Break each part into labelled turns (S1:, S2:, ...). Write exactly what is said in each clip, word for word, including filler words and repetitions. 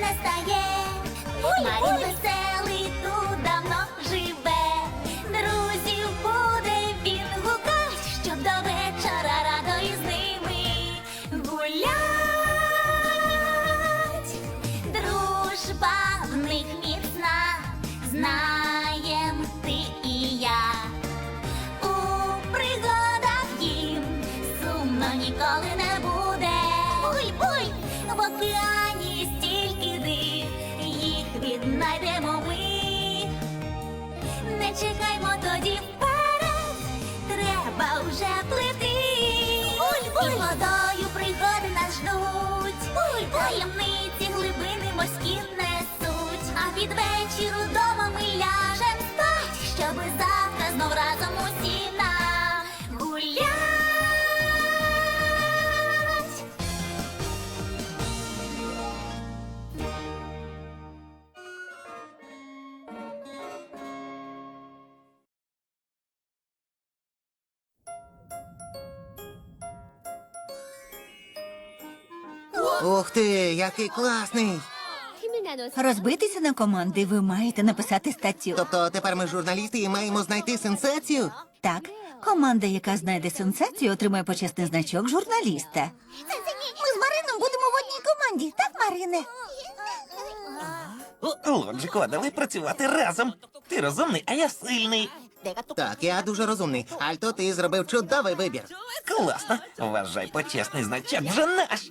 S1: не стає. Марін веселий тут давно живе. Друзів буде він гукать, щоб до вечора радо із ними гулять. Дружба в них міцна, знаєм ти і я. У пригадах їм сумно ніколи не буде. Буй, буй, в океані стільки див, їх віднайдемо ми. Не чекаймо тоді вперед, треба вже плити. Буль, буль. І водою пригоди нас ждуть. Буль, буль. Таємниці глибини морські несуть. А під вечір удома ми ляжем спать, щоби завтра знов разом усі нагулять.
S2: Ух ти, який класний!
S3: Розбитися на команди ви маєте написати статтю.
S2: Тобто тепер ми журналісти і маємо знайти сенсацію?
S3: Так, команда, яка знайде сенсацію, отримає почесний значок журналіста. Ми з Марином будемо в одній команді, так, Марине?
S4: Лоджику, давай працювати разом. Ти розумний, а я сильний.
S2: Так, я дуже розумний. Альто, ти зробив чудовий вибір.
S4: Класно. Вважай, почесний значок вже наш.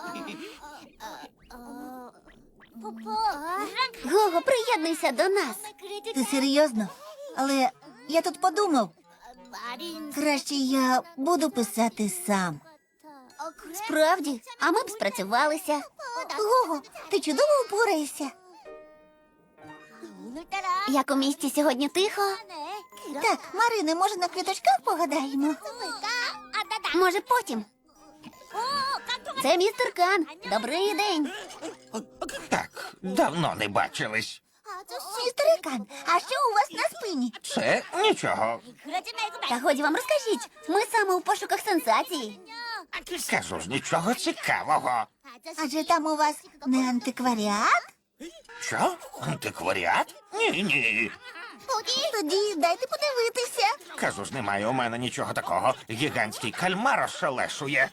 S1: Гого, приєднуйся до нас.
S3: Ти серйозно? Але я тут подумав, краще я буду писати сам.
S1: Справді, а ми б спрацювалися.
S3: Гого, ти чудово впораєшся.
S1: Як у місті сьогодні тихо?
S3: Так, Марине, може на квіточках погадаємо?
S1: Може, потім. Це містер Кан. Добрий день.
S4: Так, давно не бачились.
S3: Містер Кан, а що у вас на спині?
S4: Це нічого.
S1: Та годі вам розкажіть. Ми саме у пошуках сенсації.
S4: Кажу ж, нічого цікавого.
S3: Адже там у вас не антикваріат?
S4: Що? Антикваріат? Ні, ні.
S3: Тоді дайте подивитися.
S4: Кажу ж, немає у мене нічого такого. Гігантський кальмар ошелешує.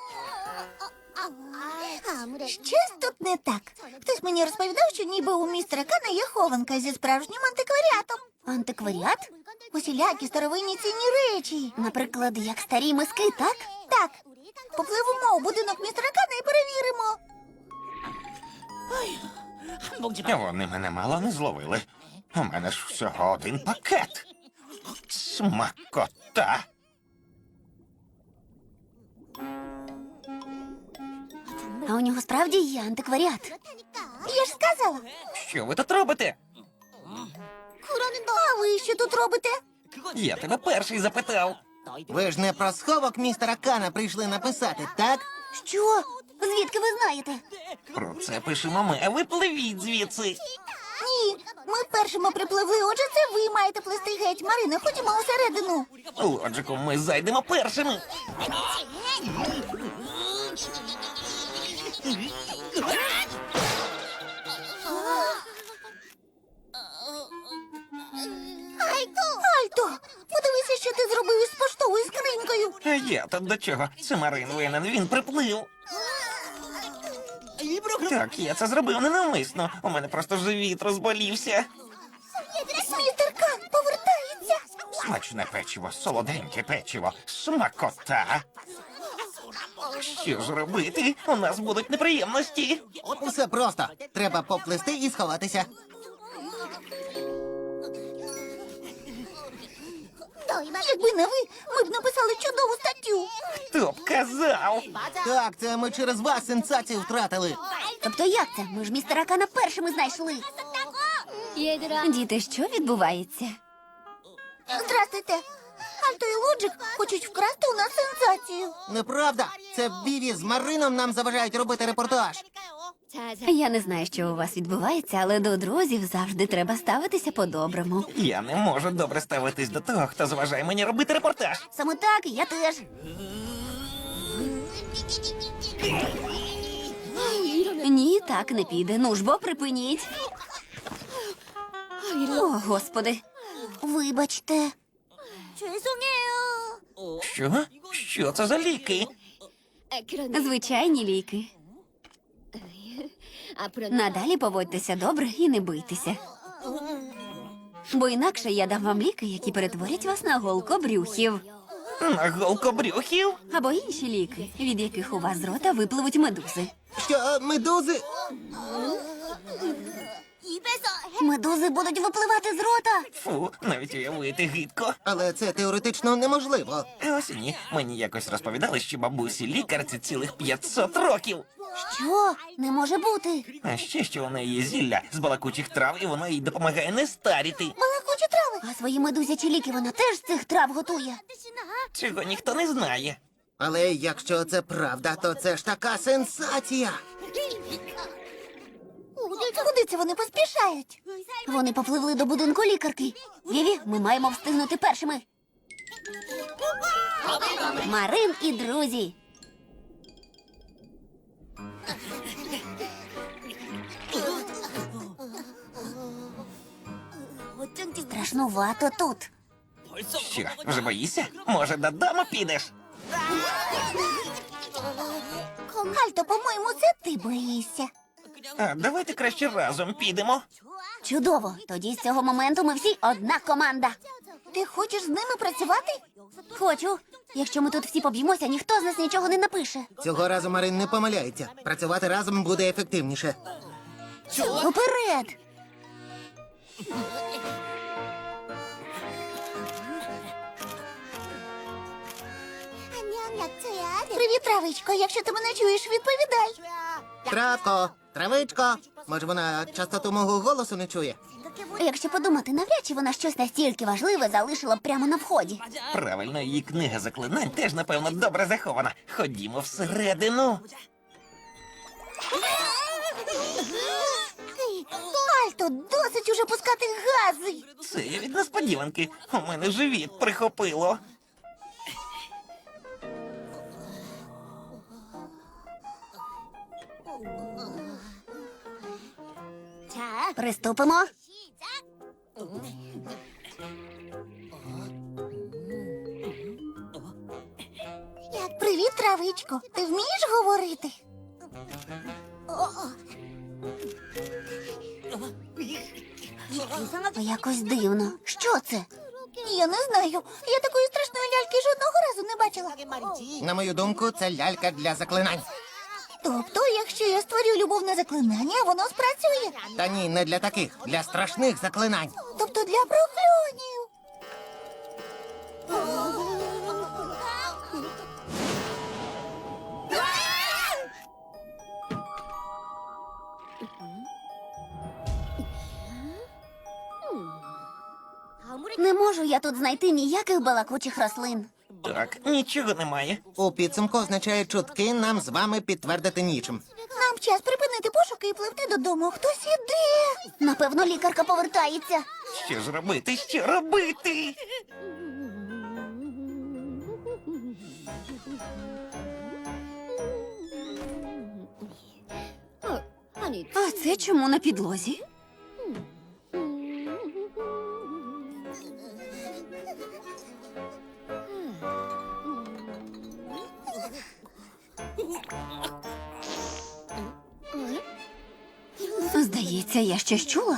S3: Щось тут не так. Хтось мені розповідав, що ніби у містера Кана є хованка зі справжнім антикваріатом.
S1: Антикваріат?
S3: Усілякі старовинні цінні речі.
S1: Наприклад, як старі миски, так?
S3: Так, попливемо у будинок містера Кана і перевіримо.
S4: Вони мене мало не зловили. У мене ж всього один пакет. Смакота.
S1: А у нього справді є антикваріат.
S3: Я ж сказала.
S4: Що ви тут робите?
S3: А ви що тут робите?
S4: Я тебе перший запитав.
S2: Ви ж не про сховок містера Кана прийшли написати, так?
S3: Що?
S1: Звідки ви знаєте?
S4: Про це пишемо ми, а ви пливіть звідси.
S3: Ні, ми першими припливли, отже це ви маєте плести геть. Марина, ходімо усередину.
S4: Лоджику, ми зайдемо першими.
S3: Альто, подивися, що ти зробив із поштовою скринькою.
S4: А я тут до чого? Це Марин винен, він приплив. Так, я це зробив ненавмисно. У мене просто живіт розболівся.
S3: Містер Кан повертається.
S4: Смачне печиво, солоденьке печиво, смакота. Що ж робити? У нас будуть неприємності.
S2: Усе просто. Треба поплисти і сховатися.
S3: Якби не ви, ми б написали чудову статтю.
S4: Хто б казав?
S2: Так, це ми через вас сенсацію втратили.
S1: Тобто як це? Ми ж містера Кана першими знайшли.
S5: Діти, що відбувається?
S3: Здрастуйте. Альто і Лоджик хочуть вкрасти у нас сенсацію.
S2: Неправда. Це Віві з Марином нам заважають робити репортаж.
S5: Я не знаю, що у вас відбувається, але до друзів завжди треба ставитися по-доброму.
S4: Я не можу добре ставитись до того, хто заважає мені робити репортаж.
S1: Саме так, я теж.
S5: Ні, так не піде. Ну ж бо припиніть. О, господи.
S3: Вибачте.
S4: Що? Що це за ліки?
S5: Звичайні ліки. Надалі поводьтеся добре і не бийтеся. Бо інакше я дам вам ліки, які перетворять вас на голкобрюхів.
S4: На голкобрюхів?
S5: Або інші ліки, від яких у вас з рота випливуть медузи.
S2: Що, медузи?
S3: Медузи будуть випливати з рота.
S4: Фу, навіть уявити гидко.
S2: Але це теоретично неможливо.
S4: Ось і ні. Мені якось розповідали, що бабусі лікарці цілих п'ятсот років.
S3: Що? Не може бути.
S4: А ще що у неї є зілля з балакучих трав, і воно їй допомагає не старіти.
S3: Балакучі трави. А свої медузячі ліки вона теж з цих трав готує.
S4: Цього ніхто не знає.
S2: Але якщо це правда, то це ж така сенсація.
S3: Куди це вони поспішають? Вони попливли до будинку лікарки. Віві, ми маємо встигнути першими. Марин і друзі. Страшнувато тут.
S4: Що, вже боїшся? Може, додому підеш?
S3: Альто, по-моєму, це ти боїшся.
S4: А давайте краще разом підемо.
S3: Чудово. Тоді з цього моменту ми всі одна команда. Ти хочеш з ними працювати? Хочу. Якщо ми тут всі поб'ємося, ніхто з нас нічого не напише.
S2: Цього разу Марин не помиляється. Працювати разом буде ефективніше.
S3: Уперед! Привіт, травичко. Якщо ти мене чуєш, відповідай.
S2: Травко, травичко. Може, вона частоту мого голосу не чує?
S3: Якщо подумати, навряд чи вона щось настільки важливе залишила б прямо на вході.
S4: Правильно, її книга заклинань теж, напевно, добре захована. Ходімо всередину.
S3: Альто, досить уже пускати гази.
S4: Це я від несподіванки. У мене живіт прихопило.
S3: Приступимо. Привіт, травичко. Ти вмієш говорити? Якось дивно. Що це? Я не знаю. Я такої страшної ляльки жодного разу не бачила.
S2: На мою думку, це лялька для заклинань.
S3: Тобто, якщо я створю любовне заклинання, воно спрацює.
S2: Та ні, не для таких, для страшних заклинань.
S3: Тобто для прокльонів. Не можу я тут знайти ніяких балакучих рослин.
S4: Так, нічого немає.
S2: У підсумку означає чутки, нам з вами підтвердити нічим.
S3: Нам час припинити пошуки і пливти додому. Хтось іде. Напевно, лікарка повертається.
S4: Що ж робити? Що робити?
S5: А це чому на підлозі? Здається, я щось чула.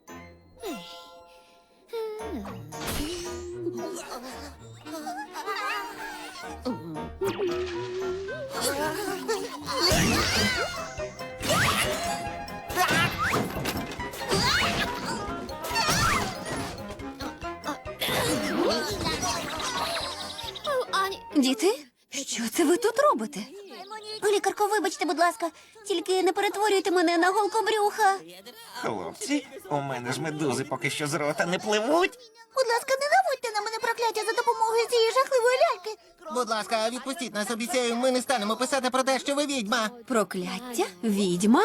S5: Діти, що це ви тут робите?
S3: Лікарко, вибачте, будь ласка, тільки не перетворюйте мене на голкобрюха.
S4: Хлопці, у мене ж медузи поки що з рота не пливуть.
S3: Будь ласка, не наводьте на мене прокляття за допомогою цієї жахливої ляльки.
S2: Будь ласка, відпустіть нас, обіцяю, ми не станемо писати про те, що ви відьма.
S5: Прокляття? Відьма?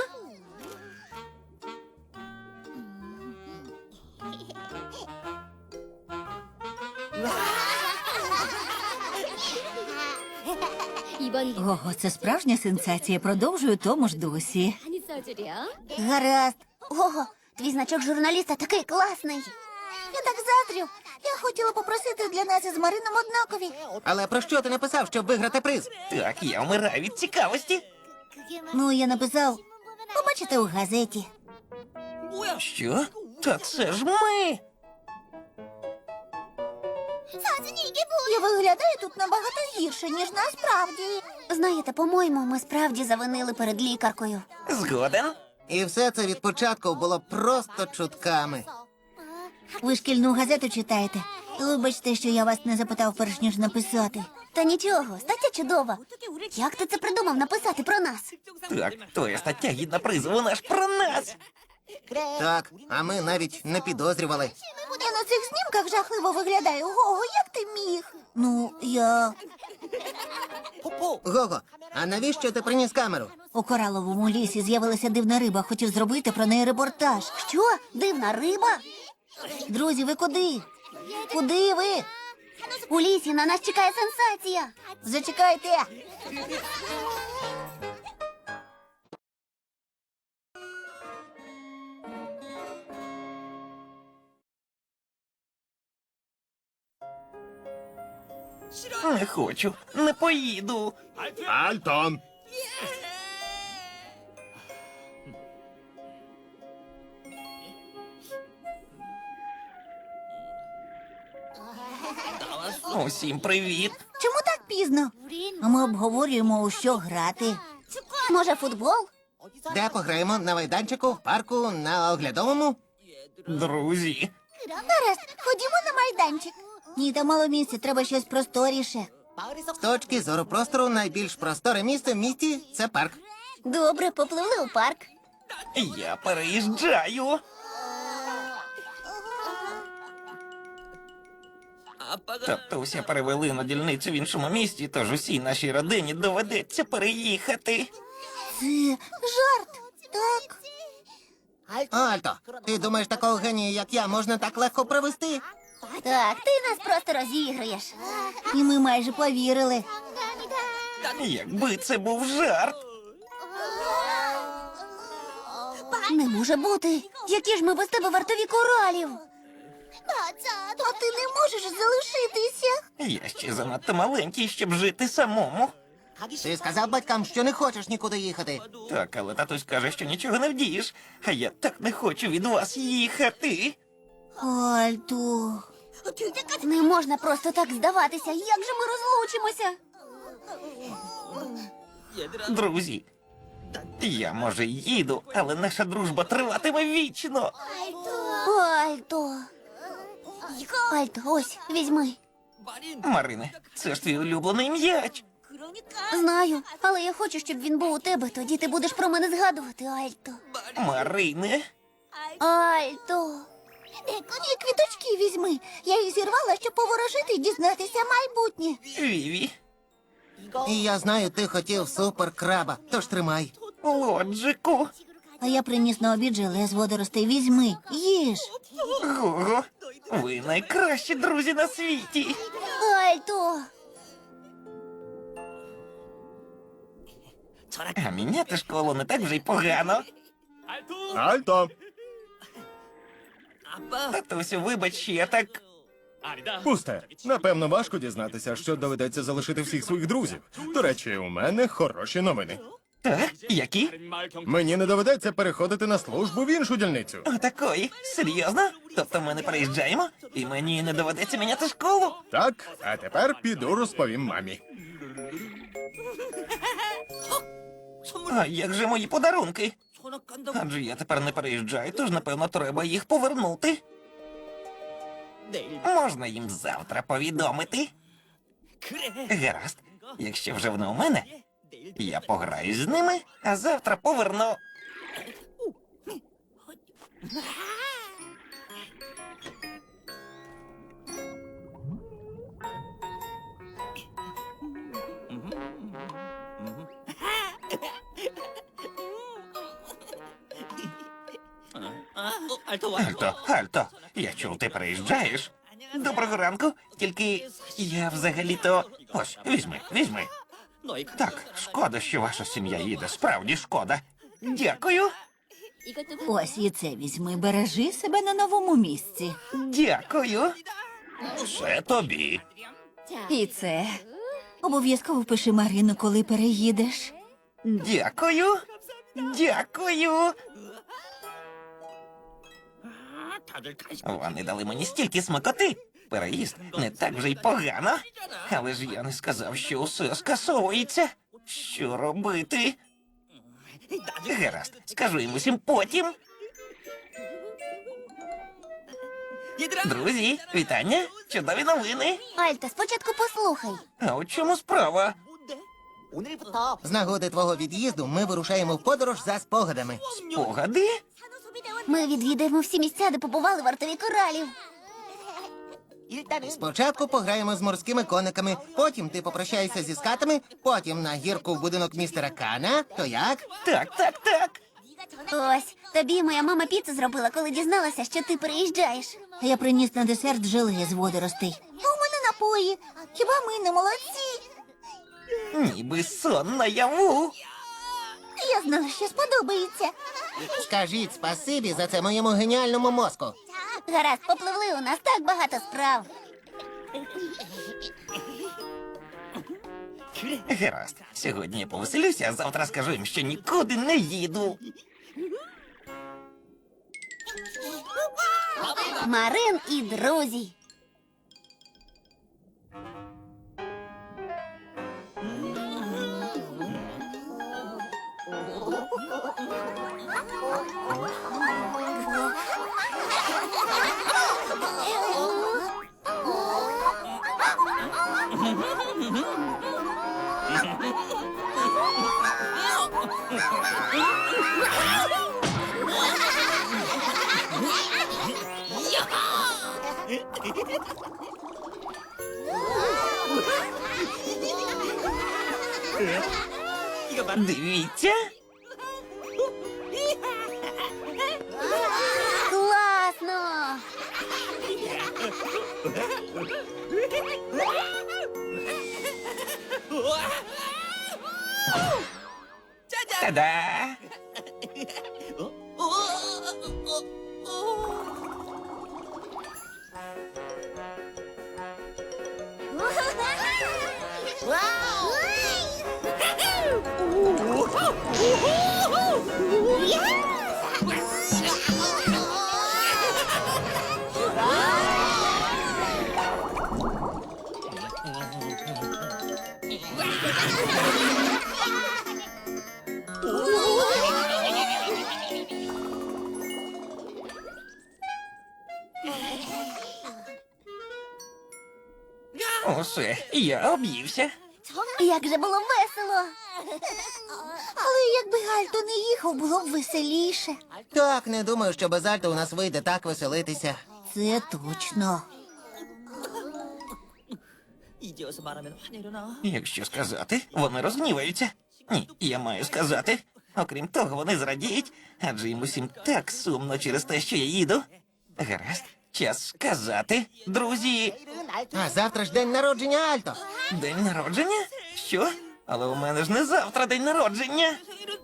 S3: Ого, це справжня сенсація. Продовжую тому ж досі. Гаразд. Ого, твій значок журналіста такий класний. Я так заздрю. Я хотіла попросити для нас із Марином однакові.
S2: Але про що ти написав, щоб виграти приз?
S4: Так, я вмираю від цікавості.
S3: Ну, я написав. Побачите у газеті.
S4: Що? Та це ж ми.
S3: Я виглядаю тут набагато гірше, ніж насправді. Знаєте, по-моєму, ми справді завинили перед лікаркою.
S4: Згоден?
S2: І все це від початку було просто чутками.
S3: Ви шкільну газету читаєте? Вибачте, що я вас не запитав перш ніж написати. Та нічого, стаття чудова. Як ти це придумав написати про нас?
S4: Так, твоя стаття гідна призу, вона ж про нас.
S2: Так, а ми навіть не підозрювали.
S3: Я на цих знімках жахливо виглядаю. Гого, як ти міг? Ну, я
S2: Гого, а навіщо ти приніс камеру?
S3: у кораловому лісі з'явилася дивна риба. Хотів зробити про неї репортаж. Що? Дивна риба? Друзі, ви куди? Куди ви? У лісі на нас чекає сенсація. Зачекайте.
S4: Не хочу, не поїду.
S6: Альто!
S4: Усім привіт.
S3: Чому так пізно? А ми обговорюємо, у що грати. Може, футбол?
S2: Де пограємо? На майданчику, в парку, на оглядовому?
S4: Друзі,
S3: Гаразд, ходімо на майданчик. Ні, там мало місця, треба щось просторіше.
S2: З точки зору простору найбільш просторе місце в місті – це парк.
S3: Добре, попливли у парк.
S4: я переїжджаю. Татуся перевели на дільницю в іншому місті, тож усій нашій родині доведеться переїхати.
S3: Це жарт, так?
S2: Альто, ти думаєш, такого генія, як я, можна так легко провести?
S3: Так, ти нас просто розіграєш. І ми майже повірили.
S4: Якби це був жарт.
S3: Не може бути. Які ж ми без тебе вартові коралів? А ти не можеш залишитися.
S4: Я ще занадто маленький, щоб жити самому.
S2: Ти сказав батькам, що не хочеш нікуди їхати.
S4: Так, але татусь каже, що нічого не вдієш. А я так не хочу від вас їхати.
S3: Альто. Не можна просто так здаватися. Як же ми розлучимося?
S4: Друзі, я може й їду, але наша дружба триватиме вічно.
S3: Альто. Альто, ось, візьми.
S4: Марине, це ж твій улюблений м'яч.
S3: Знаю, але я хочу, щоб він був у тебе. Тоді ти будеш про мене згадувати, Альто.
S4: Марине,
S3: Альто. І квіточки візьми. Я їх зірвала, щоб поворожити і дізнатися майбутнє.
S4: Віві,
S2: І я знаю, ти хотів суперкраба, тож тримай.
S4: Лоджику,
S3: А я приніс на обід желе з водоростей. Візьми, їж.
S4: Гого, ви найкращі друзі на світі.
S3: Альто.
S4: А міняти школу не так вже й погано.
S6: Альто!
S4: Татусю, вибач, що я так...
S6: Пусте. Напевно, важко дізнатися, що доведеться залишити всіх своїх друзів. До речі, у мене хороші новини.
S4: Так, які?
S6: Мені не доведеться переходити на службу в іншу дільницю.
S4: Отакої? Серйозно? Тобто ми не переїжджаємо? І мені не доведеться міняти школу?
S6: Так, а тепер піду розповім мамі.
S4: А як же мої подарунки? Адже я тепер не переїжджаю, тож, напевно, треба їх повернути. Можна їм завтра повідомити? Гаразд. Якщо вже вони у мене, я пограю з ними, а завтра поверну. Альто, Альто, я чув, ти переїжджаєш. Доброго ранку, тільки я взагалі-то... Ось, візьми, візьми. Так, шкода, що ваша сім'я їде, справді шкода. Дякую.
S3: Ось і це візьми, бережи себе на новому місці.
S4: Дякую. Це тобі.
S5: І це.
S3: Обов'язково пиши Марину, коли переїдеш.
S4: Дякую. Дякую. Вони дали мені стільки смакоти. Переїзд не так вже й погано. Але ж я не сказав, що усе скасовується. Що робити? Гаразд, скажу їм усім потім. Друзі, вітання, чудові новини.
S3: Альто, спочатку послухай.
S4: А у чому справа?
S2: З нагоди твого від'їзду ми вирушаємо в подорож за спогадами.
S4: Спогади?
S3: Ми відвідаємо всі місця, де побували вартові коралів.
S2: Спочатку пограємо з морськими кониками, потім ти попрощаєшся зі скатами, потім на гірку в будинок містера Кана. То як?
S4: Так, так, так.
S3: Ось, тобі моя мама піцу зробила, коли дізналася, що ти переїжджаєш. Я приніс на десерт желе з водоростей. А у мене напої. Хіба ми не молодці?
S4: Ніби сон наяву.
S3: Я знала, що сподобається.
S2: Скажіть спасибі за це моєму геніальному мозку.
S3: Гаразд, попливли, у нас так багато справ.
S4: Гаразд, сьогодні я повеселюся, а завтра скажу їм, що нікуди не їду.
S3: Марин і друзі.
S4: Дивіться.
S3: Класно!
S4: Та-да! Усе, я об'ївся.
S3: Як же було весело! Але якби Гальто не їхав, було б веселіше.
S2: Так, не думаю, що без Альто у нас вийде так веселитися.
S3: Це точно.
S4: Якщо сказати, вони розгніваються. Ні, я маю сказати. Окрім того, вони зрадіють, адже їм усім так сумно через те, що я їду. Гаразд, час сказати, друзі.
S2: А завтра ж день народження Альто.
S4: День народження? Що? Але у мене ж не завтра день народження.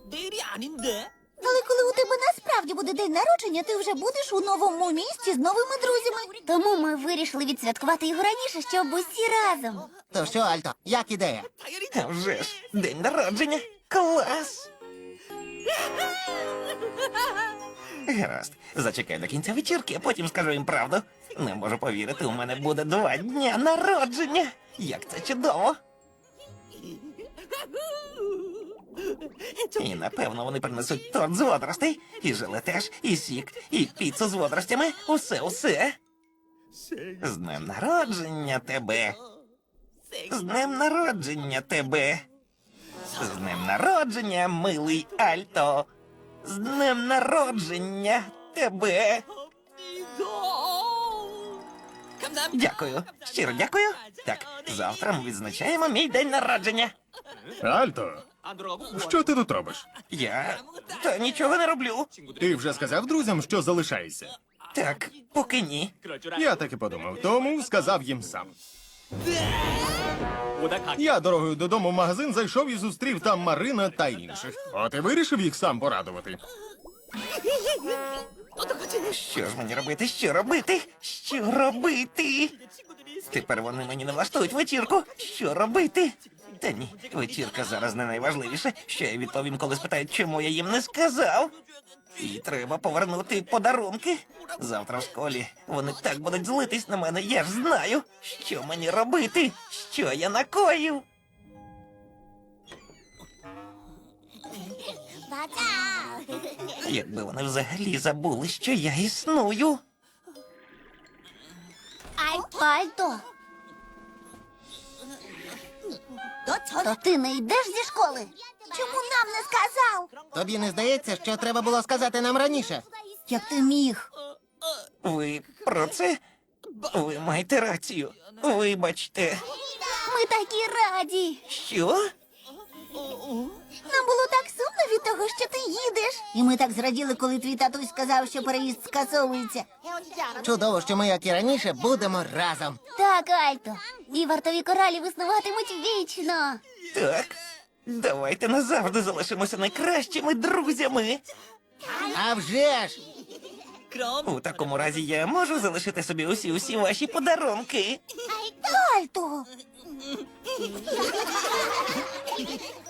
S3: Але коли у тебе насправді буде день народження, ти вже будеш у новому місті з новими друзями. Тому ми вирішили відсвяткувати його раніше, щоб усі разом.
S2: То що, Альто, як ідея?
S4: А вже ж, день народження. Клас! Гаразд, зачекай до кінця вечірки, а потім скажу їм правду. Не можу повірити, у мене буде два дня народження. Як це чудово! І напевно вони принесуть торт з водоростей, і желе теж, і сік, і піцу з водоростями. Усе, усе. З днем народження тебе. З днем народження тебе. З днем народження, милий Альто. З днем народження тебе. Дякую. Щиро дякую. Так, завтра ми відзначаємо мій день народження.
S6: Альто, що ти тут робиш?
S4: Я та нічого не роблю.
S6: Ти вже сказав друзям, що залишаєшся?
S4: Так, поки ні.
S6: Я так і подумав, тому сказав їм сам. Я дорогою додому в магазин зайшов і зустрів там Марина та інших. От і вирішив їх сам порадувати.
S4: Що ж мені робити? Що робити? Що робити? Тепер вони мені не влаштують вечірку. Що робити? Та ні, вечірка зараз не найважливіше. Що я відповім, коли спитають, чому я їм не сказав? І треба повернути подарунки. Завтра в школі вони так будуть злитись на мене, я ж знаю. Що мені робити? Що я накоїв? Якби вони взагалі забули, що я існую.
S3: Альто. То ти не йдеш зі школи? Чому нам не сказав?
S2: Тобі не здається, що треба було сказати нам раніше?
S3: Як ти міг?
S4: Ви про це? Ви маєте рацію. Вибачте.
S3: Ми такі раді.
S4: Що?
S3: Нам було так сумно від того, що ти їдеш. І ми так зраділи, коли твій татусь сказав, що переїзд скасовується.
S2: Чудово, що ми, як і раніше, будемо разом.
S3: Так, Альто. І вартові коралі виснуватимуть вічно.
S4: Так. Давайте назавжди залишимося найкращими друзями.
S2: А вже ж!
S4: У такому разі я можу залишити собі усі усі ваші подарунки.
S3: Альто.